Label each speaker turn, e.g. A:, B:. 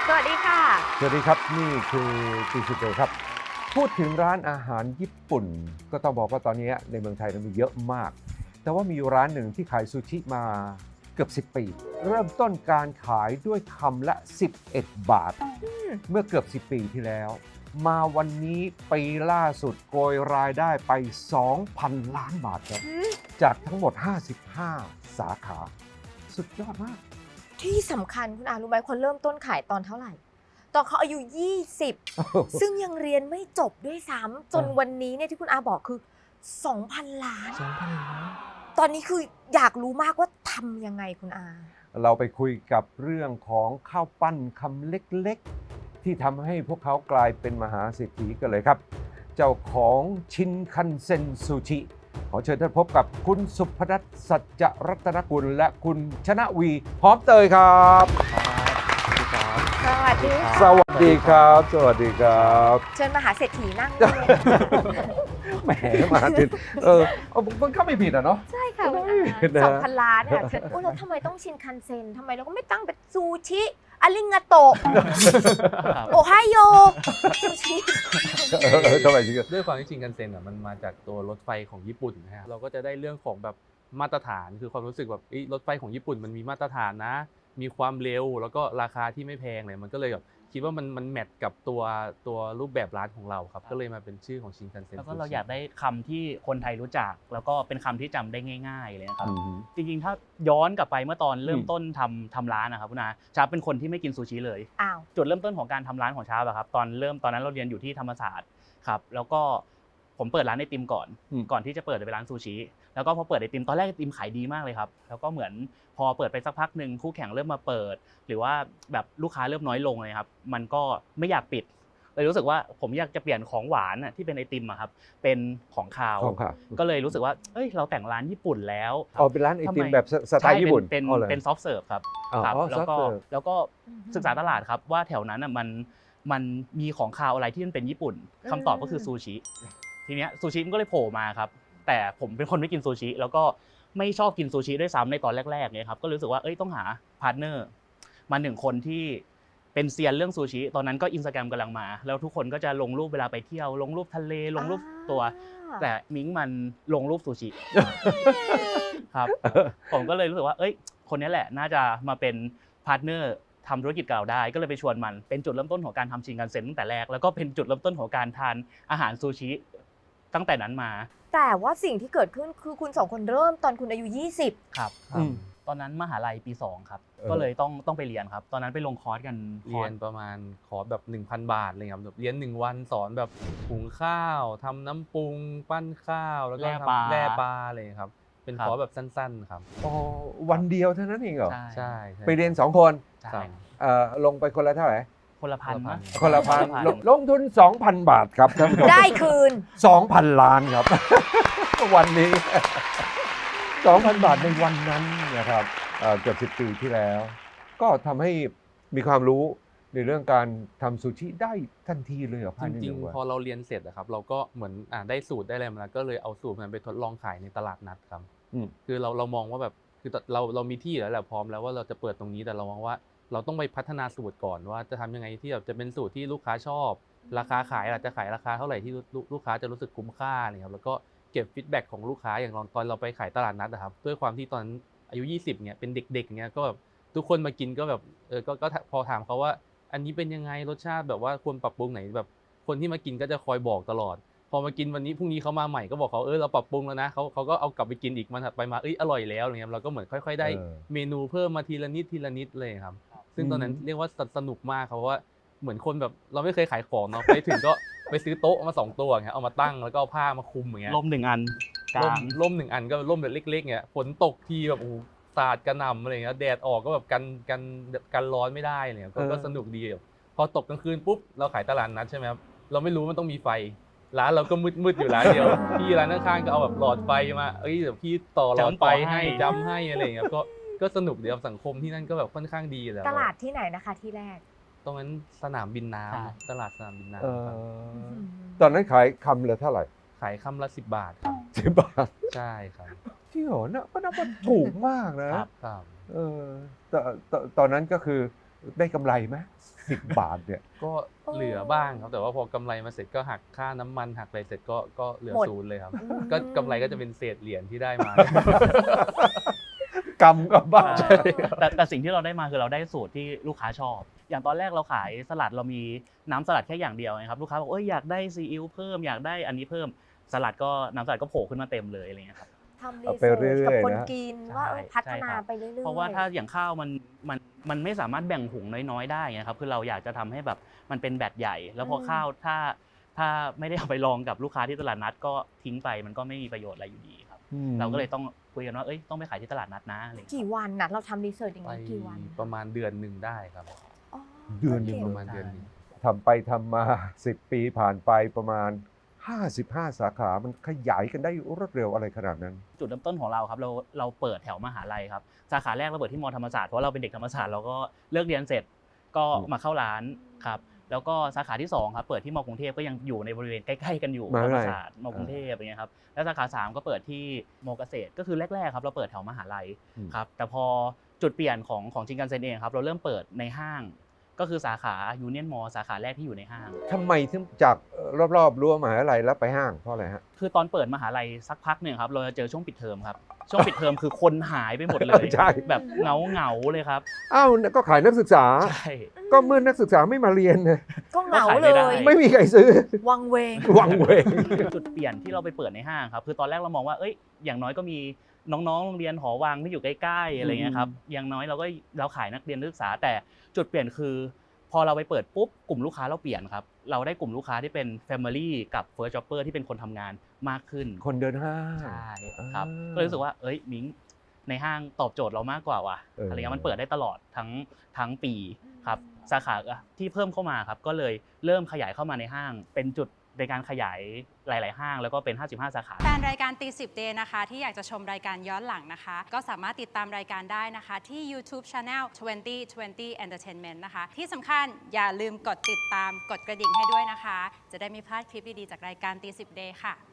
A: สวัสดีค่ะ
B: สวัสดีครับนี่คือตีสิบเอครับพูดถึงร้านอาหารญี่ปุ่นก็ต้องบอกว่าตอนนี้ในเมืองไทยมีเยอะมากแต่ว่ามีอยู่ร้านหนึ่งที่ขายซูชิมาเกือบ10 ปีเริ่มต้นการขายด้วยคำละ11 บาทเมื่อเกือบ10 ปีที่แล้วมาวันนี้ปีล่าสุดโกยรายได้ไป 2,000 ล้านบาทครับจากทั้งหมด55 สาขาสุดยอดมาก
A: ที่สำคัญคุณอารู้ไหมคนเริ่มต้นขายตอนเท่าไหร่ ตอนเขาอายุ 20 ซึ่งยังเรียนไม่จบด้วยซ้ำจนวันนี้เนี่ยที่คุณอาบอกคือ 2,000 ล้าน ตอนนี้คืออยากรู้มากว่าทำยังไงคุณอา
B: เราไปคุยกับเรื่องของข้าวปั้นคำเล็กๆที่ทำให้พวกเขากลายเป็นมหาเศรษฐีกันเลยครับ เจ้าของชินคันเซ็นซูชิขอเชิญท่านพบกับคุณสุพนัสสัจจรัตนกุลและคุณชนะวีหอมเตยครับ
A: สวัสดีค่ะ
B: สวัสดีครับ สวัสดีครับ
A: เชิญมหาเศรษฐีนั่งเลย
B: แหมมาถึงมันเข้าไม่ผิดอ่ะเนาะ
A: ใช่ค่ะคุณ
B: นะ
A: อา2,000 ล้านเนี่ยโอ้แล้วทำไมต้องชินคันเซ็นทำไมเราก็ไม่ตั้งเป็นซูชิอาริงาโตะโอไฮโอซูชิ
B: ทำไมถึง
C: ด้วยความที่ชินคันเซ็นมันมาจากตัวรถไฟของญี่ปุ่นนะฮะเราก็จะได้เรื่องของแบบมาตรฐานคือความรู้สึกแบบรถไฟของญี่ปุ่นมันมีมาตรฐานนะมีความเร็วแล้วก็ราคาที่ไม่แพงเลยมันก็เลยแบบคิดว่ามันแมทกับตัวรูปแบบร้านของเราครับก็เลยมาเป็นชื่อของชินคันเซ็น
D: แล้วก็เราอยากได้คำที่คนไทยรู้จักแล้วก็เป็นคำที่จำได้ง่ายๆเลยนะครับจริงๆถ้าย้อนกลับไปเมื่อตอนเริ่มต้นทำร้านนะครับคุณอาชาเป็นคนที่ไม่กินซูชิเลย
A: อ้าว
D: จุดเริ่มต้นของการทำร้านของชาครับตอนนั้นเราเรียนอยู่ที่ธรรมศาสตร์ครับแล้วก็ผมเปิดร้านไอติมก่อนที่จะเปิดเป็นร้านซูชิแล้วก็พอเปิดไอติมตอนแรกไอติมขายดีมากเลยครับแล้วก็เหมือนพอเปิดไปสักพักหนึ่งคู่แข่งเริ่มมาเปิดหรือว่าแบบลูกค้าเริ่มน้อยลงเลยครับมันก็ไม่อยากปิดเลยรู้สึกว่าผมอยากจะเปลี่ยนของหวานที่เป็นไอติมครับเป็นของคาวก็เลยรู้สึกว่าเอ้ยเราแต่งร้านญี่ปุ่นแล้ว
B: เป็นร้านไอติมแบบสไตล์ญี่ปุ่น
D: เป็นซอฟต์เสิร์ฟครับแล้วก็ศึกษาตลาดครับว่าแถวนั้นมันมีของคาวอะไรที่มันเป็นญี่ปุ่นคำตอบก็คือซูชิทีเนี้ยซูชิมันก็เลยโผล่มาครับแต่ผมเป็นคนไม่กินซูชิแล้วก็ไม่ชอบกินซูชิด้วยซ้ำในตอนแรกๆเนี่ยครับก็รู้สึกว่าต้องหาพาร์ทเนอร์มา1 คนที่เป็นเซียนเรื่องซูชิตอนนั้นก็ Instagram กำลังมาแล้วทุกคนก็จะลงรูปเวลาไปเที่ยวลงรูปทะเลลงรูปตัวแต่มิ้งมันลงรูปซูชิครับผมก็เลยรู้สึกว่าคนนี้แหละน่าจะมาเป็นพาร์ทเนอร์ทำธุรกิจกับเราได้ก็เลยไปชวนมันเป็นจุดเริ่มต้นของการทำชินคันเซ็นตั้งแต่แรกแล้วก็เป็นจุดเริ่มต้นของการทานอาหารซูชิตั้งแต่นั้นมา
A: แต่ว่าสิ่งที่เกิดขึ้นคือคุณ2 คนเริ่มตอนคุณอายุ 20
D: ครับตอนนั้นมหาลัยปี2ครับก็เลยต้องไปเรียนครับตอนนั้นไปลงคอร์สกัน
C: เรียนประมาณคอร์สแบบ 1,000 บาทเลยครับเรียน1 วันสอนแบบหุงข้าวทำน้ำปรุงปั้นข้าวแล้วก็ทำแล่ปลาเลยครับเป็นคอร์สแบบสั้นๆครับ
B: วันเดียวเท่านั้นเองเหรอ
C: ใช่
B: ไปเรียน2 คนลงไปคนละเท่าไหร่
D: คนละพัน
B: คนละพันลงทุน 2,000 บาทครับท่านผู้ชม
A: ได้คืน
B: 2,000 ล้านครับ วันนี้ 2,000 บาทในวันนั้นนะครับเกือบ10 ปีที่แล้วก็ทำให้มีความรู้ในเรื่องการทำซูชิได้ทันทีเลยเหรอภายใน
C: จริงๆพอเราเรียนเสร็จครับเราก็เหมือนได้สูตรได้อะไรมาแล้วก็เลยเอาสูตรนั้นไปทดลองขายในตลาดนัดครับคือเรามองว่าแบบคือเรามีที่แล้วแหละพร้อมแล้วว่าเราจะเปิดตรงนี้แต่เรามองว่าเราต้องไปพัฒนาสูตรก่อนว่าจะทำยังไงที่แบบจะเป็นสูตรที่ลูกค้าชอบราคาขายอาจจะขายราคาเท่าไหร่ที่ลูกค้าจะรู้สึกคุ้มค่าอะไรครับแล้วก็เก็บฟีดแบ็กของลูกค้าอย่างตอนเราไปขายตลาดนัดนะครับด้วยความที่ตอนอายุ20เนี่ยเป็นเด็กๆเนี่ยก็แบบทุกคนมากินก็แบบก็พอถามเขาว่าอันนี้เป็นยังไงรสชาติแบบว่าควรปรับปรุงไหนแบบคนที่มากินก็จะคอยบอกตลอดพอมากินวันนี้พรุ่งนี้เขามาใหม่ก็บอกเขาเราปรับปรุงแล้วนะเขาก็เอากลับไปกินอีกมันถัดไปมาอร่อยแล้วอะไรเงี้ยเราก็เหมือนค่อยๆได้เมนูเพิ่มมาทีละนิดเลยครับซึ่งตอนนั้นเรียกว่าสนุกมากครับเพราะว่าเหมือนคนแบบเราไม่เคยขายของเนาะไปถึงก็ไปซื้อโต๊ะมา2 ตัวเงี้ยเอามาตั้งแล้วก็เอาผ้ามาคลุมอย่างเงี้ย
D: ร่ม1 อัน
C: ร่ม1 อันก็ร่มแบบเล็กๆเงี้ยฝนตกทีแบบสาดกระหน่ำอะไรเงี้ยแดดออกก็แบบกันร้อนไม่ได้เนี่ยก็สนุกดีพอตกกลางคืนปุ๊บเราขายตลาดนัดใช่ไหมครับเราไม่รู้มันต้องมีไฟร้านเราก็มืดอยู่ร้านเดียวพี่ร้านข้างๆก็เอาแบบหลอดไฟมาเดี๋ยวพี่ต่อหลอดไฟให้จำให้อะไรเงี้ยก็สนุกดีครับสังคมที่นั่นก็แบบค่อนข้างดีแล้ว
A: ตลาดที่ไหนนะคะที่แรก
C: ตรงนั้นสนามบินน้ำตลาดสนามบินน้
B: ำตอนนั้นขายคำละเท่าไหร่
C: ขายคำละ10 บาทครับ
B: 10 บาท
C: ใช่ครับ
B: จริงเหรอนะก็นับว่าถูกมากนะครับตอนนั้นก็คือได้กำไรไหม10 บาทเนี่ย
C: ก็เหลือบ้างครับแต่ว่าพอกำไรมาเสร็จก็หักค่าน้ำมันหักอะไรเสร็จก็เหลือ
A: หมด
C: ศูนย์เลยครับ
A: อืม
C: ก็กำไรก็จะเป็นเศษเหรียญที่ได้มา
B: กำกับบ้าน
D: แต่สิ่งที่เราได้มาคือเราได้สูตรที่ลูกค้าชอบ อย่างตอนแรกเราขายสลัดเรามีน้ำสลัดแค่อย่างเดียวนะครับลูกค้าบอกอยากได้ซีอิ๊วเพิ่มอยากได้อันนี้เพิ่มสลัดก็น้ำสลัดก็โผล่ขึ้นมาเต็มเลยอะไรเงี้ยครับ
A: ทำรี
B: เอา
A: เสิ
B: ไป
A: ร์
B: เรื่
A: ช
B: อยๆ
A: กับคน
B: นะ
A: กินว่า
D: ใช่
A: พัฒนา
D: ใช่ครับ
A: ไปเรื่อยๆ
D: เพราะว่าถ้าอย่างข้าวมันไม่สามารถแบ่งหุงน้อยๆได้ไงครับคือเราอยากจะทำให้แบบมันเป็นแบตใหญ่ แล้วพอข้าวถ้าไม่ได้เอาไปลองกับลูกค้าที่ตลาดนัดก็ทิ้งไปมันก็ไม่มีประโยชน์อะไรอยู่ดีครับเราก็เลยต้องคุยกันว่าต้องไปขายที่ตลาดนัดนะอะไรอย่างเงี้ย
A: กี่วันนะเราทำรีเสิร์ชอย่าง
C: ไป
A: นี้กี่วัน
C: ประมาณเดือนหนึ่งได้ครับ
A: อ๋อ
B: เดือนหนึ่ง
A: โค
C: ประมาณเดือนหนึง
B: ทำไปทำมา10 ปีผ่านไปประมาณ55 สาขามันขยายกันได้รวดเร็วอะไรขนาดนั้น
D: จุดเริ่มต้นของเราครับเราเปิดแถวมหาลัยครับสาขาแรกเราเปิดที่มอธรรมศาสตร์เพราะเราเป็นเด็กธรรมศาสตร์เราก็เลิกเรียนเสร็จก็มาเข้าร้านครับแล้วก็สาขาที่2ครับเปิดที่มกรุงเทพก็ยังอยู่ในบริเวณใกล้ๆกันอยู่
B: มหาวิทยาลั
D: ธรรม
B: ย
D: ศาสตร์มกรุงเทพอย่างเงี้ยครับแล้วสาขา3ก็เปิดที่มเกษตรก็คือแรกๆครับเราเปิดแถวมหาลัยครับแต่พอจุดเปลี่ยนของชินคันเซ็นเองครับเราเริ่มเปิดในห้างก็คือสาขายูเนียนมอลล์สาขาแรกที่อยู่ในห้าง
B: ทำไมถึงจากรอบๆรั้วมหาวิทยาลัยแล้วไปห้างเพราะอะไรฮะ
D: คือตอนเปิดมหาลัยสักพักหนึ่งครับเราจะเจอช่วงปิดเทอมครับช่วงปิดเทอมคือคนหายไปหมดเลย
B: ใช่
D: แบบเงาเลยครับ
B: อ้าวก็ขายนักศึกษา
D: ใช่
B: ก็เมื่อนักศึกษาไม่มาเรียนนะ
A: ก็เหงา
D: ก็ขาย
A: เล
D: ไม่ได้
A: ย
B: ไม่มีใครซื้อ
A: วังเวง
B: วังเวง
D: จุดเปลี่ยนที่เราไปเปิดในห้างครับคือตอนแรกเรามองว่าอย่างน้อยก็มีน้องๆโรงเรียนหอวังที่อยู่ใกล้ๆอะไรเงี้ยครับอย่างน้อยเราขายนักเรียนนักศึกษาแต่จุดเปลี่ยนคือพอเราไปเปิดปุ๊บกลุ่มลูกค้าเราเปลี่ยนครับเราได้กลุ่มลูกค้าที่เป็น Family กับ First Jobber ที่เป็นคนทำงานมากขึ้น
B: คนเดินห้าง
D: ใช่ครับ
B: อ่า
D: ก็เลยรู้สึกว่ามิ้งในห้างตอบโจทย์เรามากกว่าว่ะ อะไรเงี้ยมันเปิดได้ตลอดทั้งปีครับสาขาที่เพิ่มเข้ามาครับก็เลยเริ่มขยายเข้ามาในห้าง เป็นจุดในการขยายหลาย ๆ ห้างแล้วก็เป็น55สาขา
E: แฟนรายการตี10 Day นะคะที่อยากจะชมรายการย้อนหลังนะคะ ก็สามารถติดตามรายการได้นะคะ ที่ YouTube Channel 2020 Entertainment นะคะ ที่สำคัญอย่าลืมกดติดตามกดกระดิ่งให้ด้วยนะคะ จะได้ไม่พลาดคลิปดี ๆ จากรายการตี10 Day ค่ะ